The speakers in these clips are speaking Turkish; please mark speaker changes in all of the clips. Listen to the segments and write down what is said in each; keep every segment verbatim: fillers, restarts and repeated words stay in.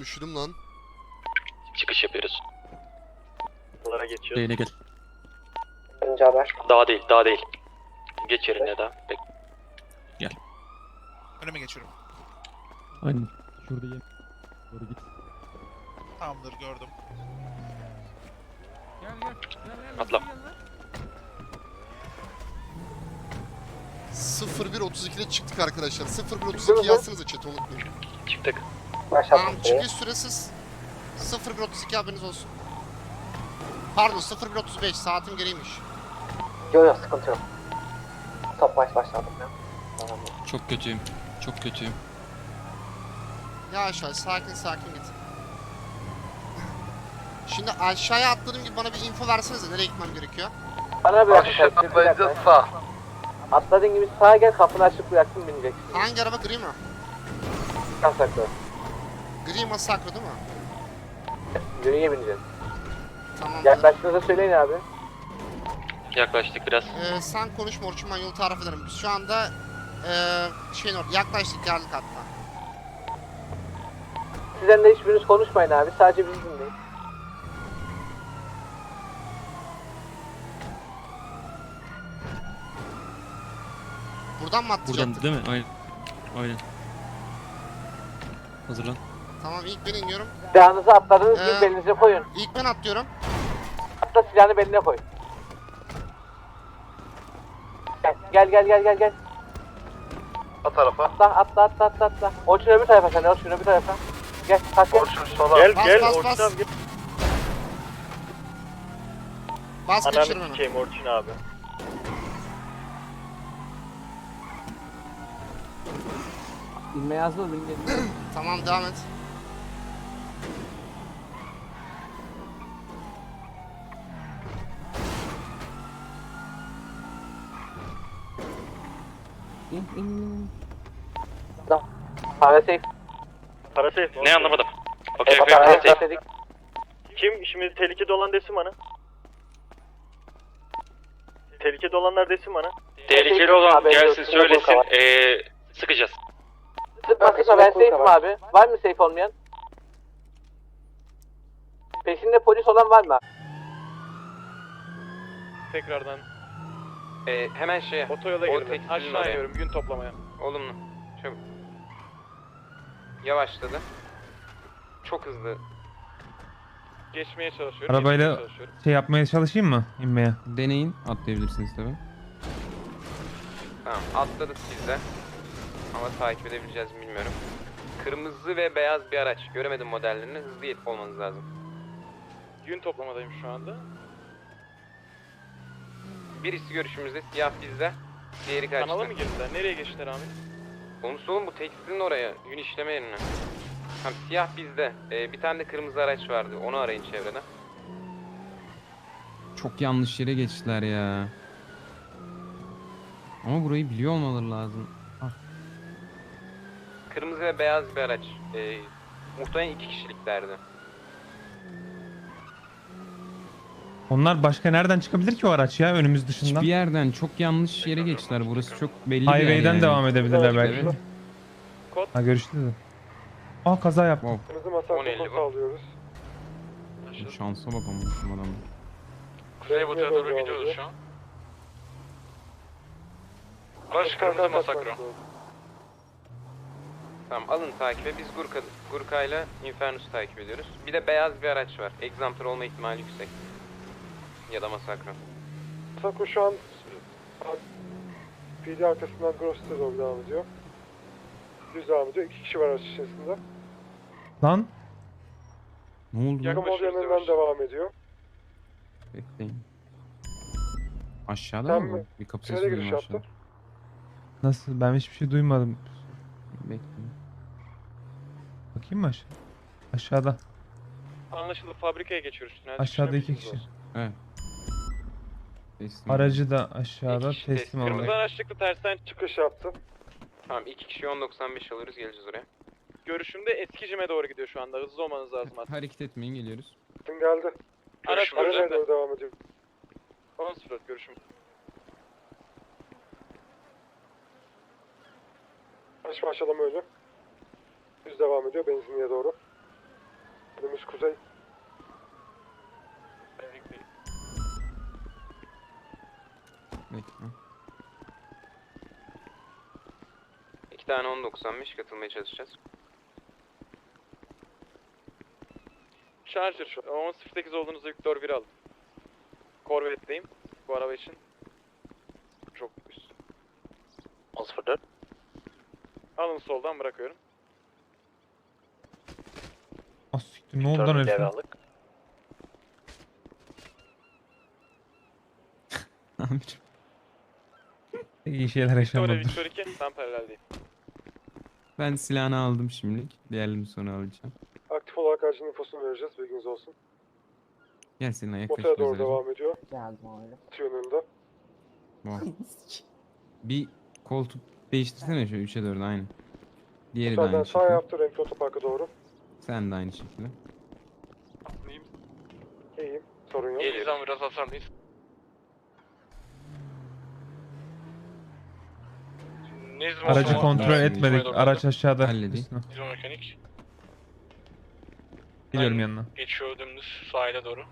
Speaker 1: üşüdüm lan.
Speaker 2: Çıkış yapıyoruz.
Speaker 3: Bunlara geçiyoruz.
Speaker 2: Değine gel.
Speaker 4: Önce haber.
Speaker 2: Daha değil, daha değil. Geç yerine daha. Bek. Gel.
Speaker 5: Önüme geçiyorum.
Speaker 2: Aynen. Şurada ye. Doğru git.
Speaker 5: Tamamdır, gördüm.
Speaker 6: Gel gel. Gel gel.
Speaker 2: Atla.
Speaker 6: Gel lan.
Speaker 1: sıfır bir otuz ikide çıktık arkadaşlar. sıfır bir otuz iki yazsanıza chat'e unutmayın.
Speaker 2: Çıktık.
Speaker 4: Başlattım
Speaker 1: Tamam,
Speaker 4: süreyi.
Speaker 1: çıkış süresiz sıfır bir otuz iki haberiniz olsun. Pardon sıfır bir otuz beş saatim geriymiş.
Speaker 4: Yok yok sıkıntı yok. Top baş başladım ya. Tamam.
Speaker 2: Çok kötüyüm. Çok kötüyüm.
Speaker 1: Yavaş yavaş sakin sakin git. Şimdi aşağıya atladığım gibi bana bir info versenize nereye gitmem gerekiyor?
Speaker 4: Bana bırak. Atlayacağız sağ. Atladığın gibi sağa gel, kapını açıp bıraktın bineceksin.
Speaker 1: Hangi araba, gri mi?
Speaker 4: Kasaklı.
Speaker 1: Gri Masakro değil mi?
Speaker 4: Yürüye bineceğiz.
Speaker 1: Tamam.
Speaker 4: Yaklaştığınızda söyleyin abi.
Speaker 2: Yaklaştık biraz.
Speaker 1: Ee, sen konuşma Orçun, ben yolu tarif ederim. Biz şu anda ee, şeyin orada yaklaştık, geldik hatta.
Speaker 4: Sizden de hiçbiriniz konuşmayın abi. Sadece bizi dinleyin.
Speaker 1: Buradan mı atlayacaktık?
Speaker 2: Buradan değil mi? Aynen. Aynen. Hazırlan.
Speaker 1: Tamam, ilk ben iniyorum.
Speaker 4: Silahınızı atladığınız
Speaker 1: Ee,
Speaker 4: gibi belinize koyun.
Speaker 1: İlk ben atlıyorum.
Speaker 4: Atla, silahını beline koy. Gel gel gel gel gel.
Speaker 3: O tarafa.
Speaker 4: Atla atla atla atla atla. Orçun öbür tarafa, sen Orçun öbür tarafa. Gel kaç gel.
Speaker 3: Orçun sola. Gel
Speaker 1: Bas,
Speaker 3: gel
Speaker 1: bas,
Speaker 3: Orçun
Speaker 1: bas.
Speaker 3: abi gel.
Speaker 1: Bas geçirim
Speaker 3: Ananı
Speaker 1: onu.
Speaker 3: sikeyim Orçun abi.
Speaker 4: İnmeye hazır ol, benim
Speaker 1: Tamam, devam et.
Speaker 4: İn in in. Tamam. Para safe.
Speaker 3: Para safe.
Speaker 2: Ne anlamadım. Okey okey.
Speaker 4: Para
Speaker 2: Okey.
Speaker 4: safe dedik.
Speaker 3: Kim şimdi tehlikede olan desin bana. Tehlikede olanlar desin bana.
Speaker 2: Tehlikeli olan gelsin söylesin. Ee, sıkacağız.
Speaker 4: Sıkma sıkma, ben safe'im abi. Var mı safe olmayan? Peşinde polis olan var mı?
Speaker 7: Tekrardan
Speaker 8: Ee, hemen şeye.
Speaker 7: otoyola
Speaker 8: O
Speaker 7: girdim.
Speaker 8: tekstilin
Speaker 7: Aşağı
Speaker 8: oraya.
Speaker 7: iniyorum gün toplamaya.
Speaker 8: Olumlu. Çabuk. Yavaşladı. Çok hızlı.
Speaker 7: Geçmeye çalışıyorum.
Speaker 6: Arabayla
Speaker 7: geçmeye çalışıyorum.
Speaker 6: şey yapmaya çalışayım mı inmeye?
Speaker 9: Deneyin, atlayabilirsiniz tabi.
Speaker 8: Tamam, atladık biz de. Ama takip edebileceğiz mi bilmiyorum. Kırmızı ve beyaz bir araç. Göremedim modellerini. Hızlı yetip olmanız lazım.
Speaker 7: Gün toplamadayım şu anda.
Speaker 8: Birisi görüşümüzde, siyah bizde. Diğeri kaçtı.
Speaker 7: Kanala mı girdiler? Nereye geçtiler abi?
Speaker 8: Konusu oğlum bu tekstilin oraya. Yün işleme yerine. Tamam, siyah bizde. Ee, bir tane de kırmızı araç vardı. Onu arayın çevrede.
Speaker 9: Çok yanlış yere geçtiler ya. Ama burayı biliyor olmaları lazım. Ah,
Speaker 8: Kırmızı ve beyaz bir araç. Ee, muhtemelen iki kişiliklerdi.
Speaker 6: Onlar başka nereden çıkabilir ki o araç ya önümüz dışından?
Speaker 9: hiçbir yerden çok yanlış yere geçtiler. Burası çok belli bir yer
Speaker 6: Highway'den
Speaker 9: yani.
Speaker 6: devam edebilirler belki.
Speaker 9: Evet.
Speaker 6: Ha görüştü de. Aa kaza yaptı.
Speaker 9: Wow.
Speaker 3: Kırmızı masa
Speaker 8: on elli bu.
Speaker 3: sağlıyoruz.
Speaker 9: Şansa bak ama şu adamın.
Speaker 3: Kuzey Batı'ya doğru gidiyoruz şu an. Baş kırmızı masakro.
Speaker 8: Tamam, alın takibe. Biz Gurka, Gurka ile Infernus'u takip ediyoruz. Bir de beyaz bir araç var. Exemplar olma ihtimali yüksek. Ya da Masakro.
Speaker 3: Masakro şu an P D arkasından Gross'ta doğru devam ediyor. Düz devam ediyor. İki kişi var araç içerisinde.
Speaker 6: Lan
Speaker 9: Ne oldu lan?
Speaker 3: Yakın ol yanından devam ediyor.
Speaker 9: Bekleyin. Aşağıda
Speaker 3: Sen
Speaker 9: mı
Speaker 3: mi?
Speaker 9: bu? Bir kapı
Speaker 3: Nereye
Speaker 9: sesi
Speaker 3: giriş
Speaker 9: duydum aşağıda.
Speaker 3: yaptın?
Speaker 6: nasıl, ben hiçbir şey duymadım.
Speaker 9: Bekleyin.
Speaker 6: Bakayım mı aşağı? Aşağıda.
Speaker 7: Anlaşıldı, fabrikaya geçiyoruz. Tünel
Speaker 6: Aşağıda
Speaker 7: çıkışına
Speaker 6: iki
Speaker 7: bilginiz
Speaker 6: kişi.
Speaker 7: olsun.
Speaker 9: Evet. Teslim.
Speaker 6: Aracı da aşağıda
Speaker 8: İki kişi
Speaker 6: teslim
Speaker 8: teslim.
Speaker 7: Kırmızı
Speaker 6: olacak.
Speaker 7: araç çıktı, tersten
Speaker 3: Çıkış yaptı.
Speaker 8: Tamam, iki kişi on doksan beş alıyoruz, geleceğiz oraya.
Speaker 7: görüşümde Eskicim'e doğru gidiyor şu anda. Hızlı olmanız lazım artık.
Speaker 9: Hareket etmeyin, geliyoruz.
Speaker 3: Kim geldi?
Speaker 7: Araç
Speaker 3: Aracına
Speaker 7: burada.
Speaker 3: doğru devam ediyor.
Speaker 7: on sıfır görüşüm.
Speaker 3: Araç başlama önü. Düz devam ediyor benzinliğe doğru. Önümüz kuzey.
Speaker 9: Bekle.
Speaker 8: İki tane on doksan beş katılmaya çalışacağız.
Speaker 7: Charger on sıfır sekiz olduğunuzda Victor bir alın. Corvette'deyim bu araba için. Çok üst.
Speaker 2: on sıfır dört.
Speaker 7: Alın soldan bırakıyorum.
Speaker 6: Ah siktir, ne oldu lan herifin?
Speaker 2: aldık.
Speaker 6: Amirim. İyi şeyler
Speaker 7: Victoria
Speaker 6: yaşamadım.
Speaker 7: Victor iki ben paraleldeyim.
Speaker 9: Ben silahını aldım şimdilik. Diğerlerini sonra alacağım.
Speaker 3: Aktif olarak aracın infosunu vereceğiz. Bilginiz olsun.
Speaker 9: Gel seninle yaklaş.
Speaker 3: Motora doğru
Speaker 9: biraz aracı.
Speaker 3: devam ediyor.
Speaker 4: Geldim abi.
Speaker 3: Atı yönünde.
Speaker 9: Wow. Bir koltuk değiştirsene şu üçe dörde aynı. Diğeri de
Speaker 3: Motordan
Speaker 9: aynı
Speaker 3: sağ
Speaker 9: şekilde.
Speaker 3: yaptı. Renkli otoparka doğru.
Speaker 9: Sen de aynı şekilde.
Speaker 3: İyiyim. Sorun yok.
Speaker 7: Geliyoruz ama biraz hasarlıyız.
Speaker 6: Aracı kontrol etmedik. Araç aşağıda.
Speaker 9: Halledeyim.
Speaker 6: Üstüne.
Speaker 7: Hidromekanik.
Speaker 6: Geliyorum yanına.
Speaker 7: Geçiyor dümdüz sahile doğru.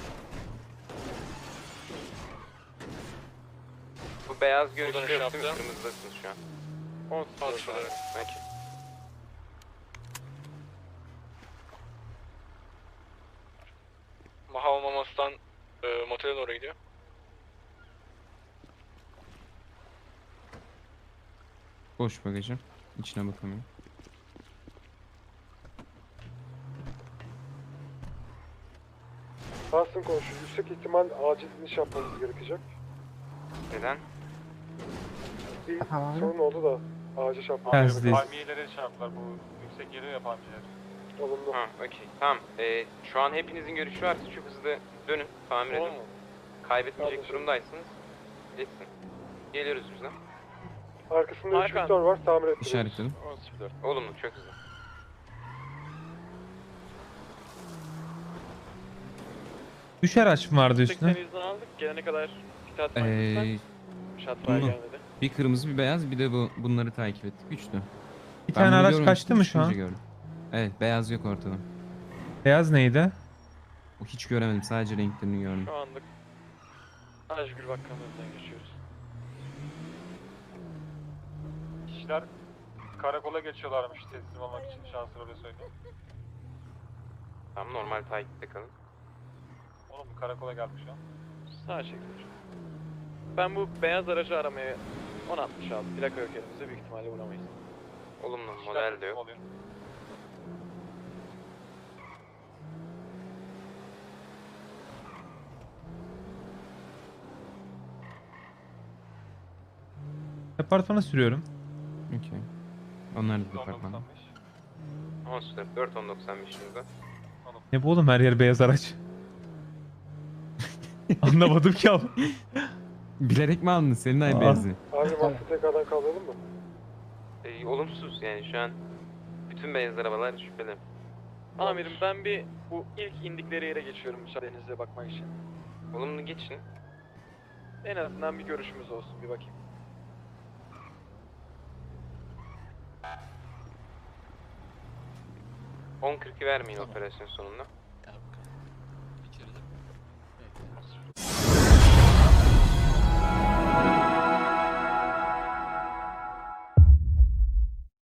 Speaker 8: Bu beyaz görüşlü
Speaker 7: Buradan
Speaker 8: yok değil mi?
Speaker 7: aşağı
Speaker 8: Kırmızıdasınız şu an.
Speaker 7: on sıfır dört.
Speaker 8: Peki.
Speaker 7: Mahal Mamas'tan e, motele doğru gidiyor.
Speaker 9: Boş bagajım. İçine bakamıyorum.
Speaker 3: Tahsin konuşuyor. Yüksek ihtimal acil iniş yapmamız gerekecek.
Speaker 8: Neden?
Speaker 3: Bir
Speaker 4: Tamam.
Speaker 3: sorun oldu da acil şey yapmamız
Speaker 6: Tersideyiz.
Speaker 7: Palmiyelere çarptılar bu yüksek yeri ya palmiyeler.
Speaker 3: Olumlu.
Speaker 8: Ha, okey. Tamam. Ee, şu an hepinizin görüşü varsa çok hızlı dönün. Tamir edin. Kaybetmeyecek
Speaker 3: Anlaşıldı.
Speaker 8: durumdaysanız geçsin. Geliyoruz biz de.
Speaker 3: Arkasında üç
Speaker 7: Hakan.
Speaker 3: Victor var. Tamir ettiriyoruz.
Speaker 9: İşaretledim.
Speaker 7: on sıfır dört.
Speaker 8: Olumlu, çok hızlı.
Speaker 6: Üç araç mı vardı üstüne?
Speaker 7: seksen izin aldık. Gelene kadar pit atmayın
Speaker 9: Ee,
Speaker 7: lütfen. Şatfire
Speaker 9: bunu-
Speaker 7: gelmedi.
Speaker 9: bir kırmızı bir beyaz bir de bu bunları takip ettik. Üçlü.
Speaker 6: Bir
Speaker 9: Ben
Speaker 6: tane
Speaker 9: bunu
Speaker 6: araç
Speaker 9: görmemiştim,
Speaker 6: kaçtı mı şu
Speaker 9: çıkınca
Speaker 6: an?
Speaker 9: gördüm. Evet, beyaz yok ortada.
Speaker 6: Beyaz neydi?
Speaker 9: O hiç göremedim, sadece renklerini gördüm.
Speaker 7: Şu anlık Ajgül Bakkanlığı'ndan geçiyoruz.
Speaker 3: Kişiler karakola geçiyorlarmış teslim olmak için. Şanslı öyle söyleyeyim.
Speaker 8: Tamam, normal takipte kalın.
Speaker 3: Oğlum karakola gelmiş şu an.
Speaker 7: Sağa çekilir. Ben bu beyaz aracı aramaya on altmış aldım. Plaka yok elimizde, büyük ihtimalle vuramayız.
Speaker 8: Olumlu, model de yok.
Speaker 6: Departmana sürüyorum.
Speaker 9: Okey. Onlar da departman.
Speaker 8: on sıfır dört on doksan beşimizde.
Speaker 6: Ne bu oğlum, her yer beyaz araç. Anlamadım ki abi.
Speaker 9: Bilerek mi aldın senin ay
Speaker 6: Aa.
Speaker 9: beyazı?
Speaker 3: Abi maske tekrardan kaldıralım mı?
Speaker 8: Ee, olumsuz yani şu an bütün beyaz arabalar şüpheli.
Speaker 7: Amirim ben bir bu ilk indikleri yere geçiyorum müsaadenizle bakmak için.
Speaker 8: Olumlu geçin.
Speaker 7: En azından bir görüşümüz olsun, bir bakayım.
Speaker 8: on kırkı vermeyin operasyon sonunda.